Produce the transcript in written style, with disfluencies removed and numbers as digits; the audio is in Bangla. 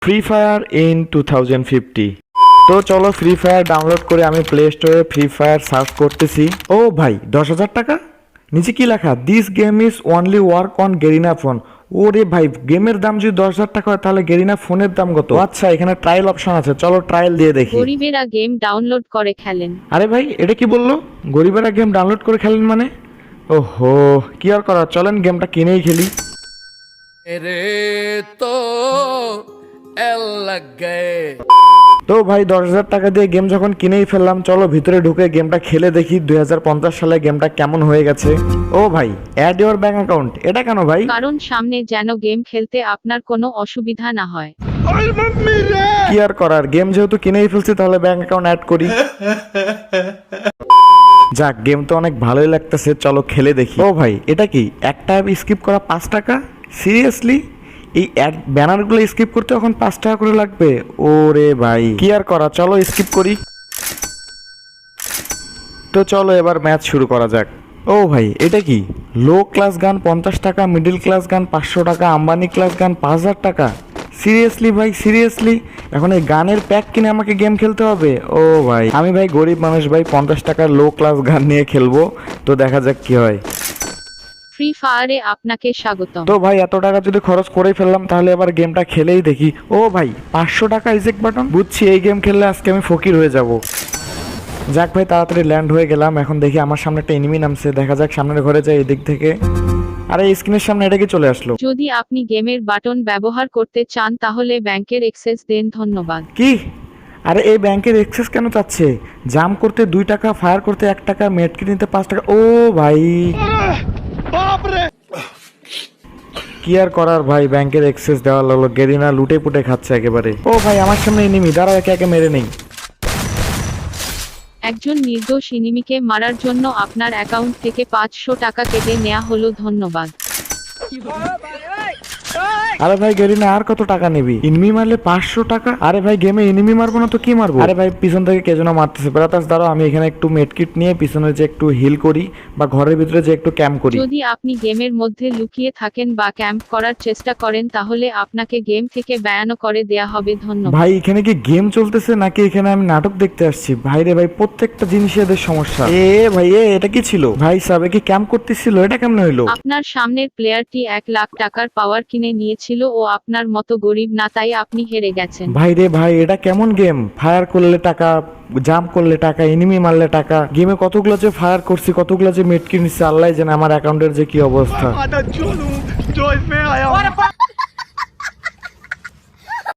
Free fire in 2050। তো চলো ফ্রি ফায়ার ডাউনলোড করে আমি প্লে স্টোরে ফ্রি ফায়ার সার্চ করতেছি। ও ভাই 10,000 টাকা, নিচে কি লেখা, this game is only work on Garena phone. ওরে ভাই, গেমের দাম যদি 10,000 টাকা হয় তাহলে গেরিনা ফোনের দাম কত? আচ্ছা, এখানে ট্রায়াল অপশন আছে, চলো ট্রায়াল দিয়ে দেখি। গরিবেরা গেম ডাউনলোড করে খেলেন। আরে ভাই, এটা কি বললো? গরিবেরা গেম ডাউনলোড করে খেলেন মানে? ওহো, কি আর করার, চলেন গেমটা কিনেই খেলি। रे तो एल लग गए। তো ভাই 10,000 টাকা দিয়ে গেম যখন কিনেই ফেললাম, চলো ভিতরে ঢুকে গেমটা খেলে দেখি 2050 সালে গেমটা কেমন হয়ে গেছে। ও ভাই, অ্যাড ইওর ব্যাংক অ্যাকাউন্ট, এটা কেন ভাই? কারণ সামনে যেন গেম খেলতে আপনার কোনো অসুবিধা না হয়। কি আর করার, গেম যেহেতু কিনেই ফেলছি তাহলে ব্যাংক অ্যাকাউন্ট অ্যাড করি। যাক, গেম তো অনেক ভালোই লাগতেছে, চলো খেলে দেখি। ও ভাই, এটা কি একটা অ্যাপ স্কিপ করা 5 টাকা? সিরিয়াসলি? এই অ্যাড ব্যানারগুলো স্কিপ করতে এখন 5 টাকা করে লাগবে? ওরে ভাই, কি আর করা, চলো স্কিপ করি। তো চলো এবার ম্যাচ শুরু করা যাক। ও ভাই, এটা কি লো ক্লাস গান 50 টাকা, মিডল ক্লাস গান 500 টাকা, আম্বানি ক্লাস গান 5,000 টাকা? সিরিয়াসলি ভাই, সিরিয়াসলি? এখন এই গানের প্যাক কিনে আমাকে গেম খেলতে হবে? ও ভাই, আমি ভাই গরিব মানুষ ভাই, 50 টাকার লো ক্লাস গান নিয়ে খেলবো, তো দেখা যাক কি হয়। ফ্রি ফায়ারে আপনাকে স্বাগতম। তো ভাই এত টাকা যদি খরচ করেই ফেললাম তাহলে এবার গেমটা খেলেই দেখি। ও ভাই, 500 টাকা ইজেক্ট বাটন, বুঝছি এই গেম খেললে আজকে আমি ফকির হয়ে যাব। যাক ভাই, তাড়াতাড়ি ল্যান্ড হয়ে গেলাম। এখন দেখি আমার সামনে একটা এনিমি নামছে, দেখা যাক সামনের ঘরে যাই এদিক থেকে। আরে স্ক্রিনের সামনে এটা কি চলে আসলো? যদি আপনি গেমের বাটন ব্যবহার করতে চান তাহলে ব্যাংকের অ্যাক্সেস দেন, ধন্যবাদ। কি? আরে এই ব্যাংকের এক্সেস কেন চাচ্ছে? জাম করতে 2 টাকা, ফায়ার করতে 1 টাকা, মেডকিট নিতে 5 টাকা। ও ভাই, কি আর করার ভাই, ব্যাংকের এক্সেস দেওয়া লাগলো। গেরিনা লুটে পুটে খাচ্ছে একেবারে। ও ভাই, আমার সামনে এনিমি, দাঁড়াও একে একে মেরে নেই। একজন নির্দোষ এনিমিকে মারার জন্য আপনার অ্যাকাউন্ট থেকে 500 টাকা কেটে নেওয়া হলো, ধন্যবাদ। আরে ভাই গেরিনা, আর কত টাকা নিবি? এনিমি মারলে 500 টাকা? আরে ভাই, গেমে এনিমি মারবো না তো কি মারবো? আরে ভাই, পিছন থেকে কে যেন মারতেছে। ব্রাদার্স দাঁড়াও, আমি এখানে একটু মেডকিট নিয়ে পিছনে যে একটু হিল করি বা ঘরের ভিতরে যে একটু ক্যাম্প করি। যদি আপনি গেমের মধ্যে লুকিয়ে থাকেন বা ক্যাম্প করার চেষ্টা করেন তাহলে আপনাকে গেম থেকে ব্যান করে দেয়া হবে, ধন্যবাদ। ভাই এখানে কি গেম চলতেছে নাকি এখানে আমি নাটক দেখতে আসছি? ভাই রে ভাই, প্রত্যেকটা জিনিসে এদের সমস্যা। ভাই এটা কি ছিল? ভাই সাবে কি ক্যাম্প করতেছিল? এটা কেমন হইলো? আপনার সামনের প্লেয়ারটি 1 লাখ টাকার পাওয়ার কিনে নিয়েছিল ও আপনার মতো গরিব না, তাই আপনি হেরে গেছেন। ভাই রে ভাই, এটা কেমন গেম? ফায়ার করলে টাকা, জাম্প করলে টাকা, এনিমি মারলে টাকা। গেমে কতগুলো যে ফায়ার করছি, কতগুলো যে মেডকিট নিচ্ছে, আল্লাহ জানে আমার অ্যাকাউন্টের যে কি অবস্থা।